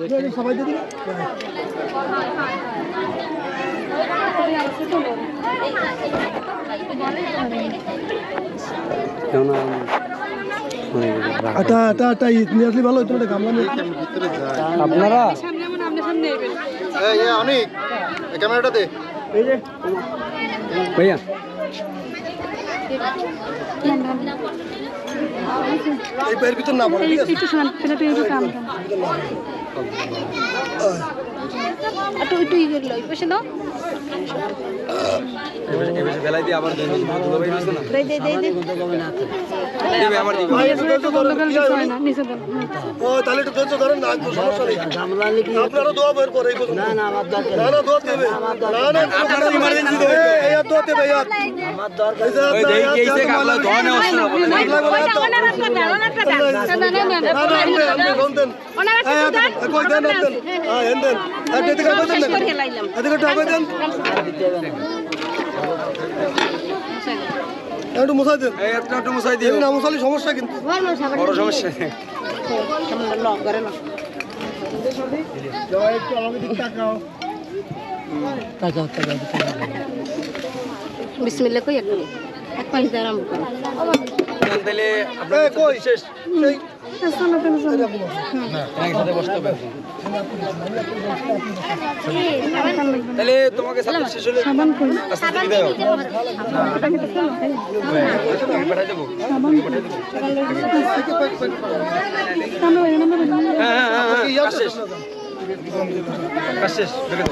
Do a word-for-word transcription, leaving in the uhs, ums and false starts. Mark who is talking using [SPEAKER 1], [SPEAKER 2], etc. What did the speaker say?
[SPEAKER 1] সবাই দিদি আটা আটা আটা নিয়ে আসলে ভালো হতো, গামলা নিয়ে আপনারা
[SPEAKER 2] অনেক ক্যামেরাটা দে
[SPEAKER 1] এই যে ভাইয়া এই পায়ের ভিতর না পড়ে, ঠিক আছে?
[SPEAKER 3] একটু শান্ত পেলে পেয়ে কাম একটু একটু ই করে লই পয়সা দাও
[SPEAKER 4] এবারে বেলায় দিয়ে আবার দুই মিনিট ধুলো বের হইছে না
[SPEAKER 3] দে দে দে দে
[SPEAKER 4] দেবে আবার দিবে
[SPEAKER 1] ভাই একটু ধৈর্য ধরেন, কি হয়?
[SPEAKER 3] না নিচে দাও
[SPEAKER 1] ও তাহলে একটু ধৈর্য ধরেন না, একটু সমস্যা নেই। আপনারা দোয়া বের করে এই পর্যন্ত। না না আমার দরকার না, না দোয়া দেবে না, না আপনারা ইমার্জেন্সি দেবে, এই আর দোয়া দেবে ইয়ার আমার দরকার
[SPEAKER 4] ওই দেই কেইছে কাবলা ধোয়া নেওয়া হচ্ছে না বলে
[SPEAKER 3] ওইটা ওনার একটা দাও ওনার একটা দাও না না না
[SPEAKER 1] না না আপনি আপনি ফোন দেন,
[SPEAKER 3] ওনার একটা
[SPEAKER 1] এই
[SPEAKER 3] দাও
[SPEAKER 1] কই দেন দেন, হ্যাঁ হেন দেন, আর এদিকে আগে দেন,
[SPEAKER 3] শেষ করে লাইলাম
[SPEAKER 1] এদিকে একটু আগে দেন, একটু মুছাই দেন,
[SPEAKER 4] এই একটা একটু মুছাই দিও
[SPEAKER 1] এই না মুছালে সমস্যা কিন্তু।
[SPEAKER 4] বড় সমস্যা
[SPEAKER 3] লক করে না
[SPEAKER 1] একটু আমাকে দিক তাকাও তাকাও তাকাও
[SPEAKER 3] বিসমিল্লাহ কই একটু এক পাঁচ দিয়ে আরম্ভ করো
[SPEAKER 4] তাহলে
[SPEAKER 1] এই কই শেষ সেই
[SPEAKER 4] একসাথে বসতে হবে তাহলে তোমাকে সাথে শেষ হলে
[SPEAKER 3] সাবান কই
[SPEAKER 4] আস্তে আস্তে দাও পাঠাই দেবো হ্যাঁ হ্যাঁ হ্যাঁ কাজ শেষ কাজ শেষ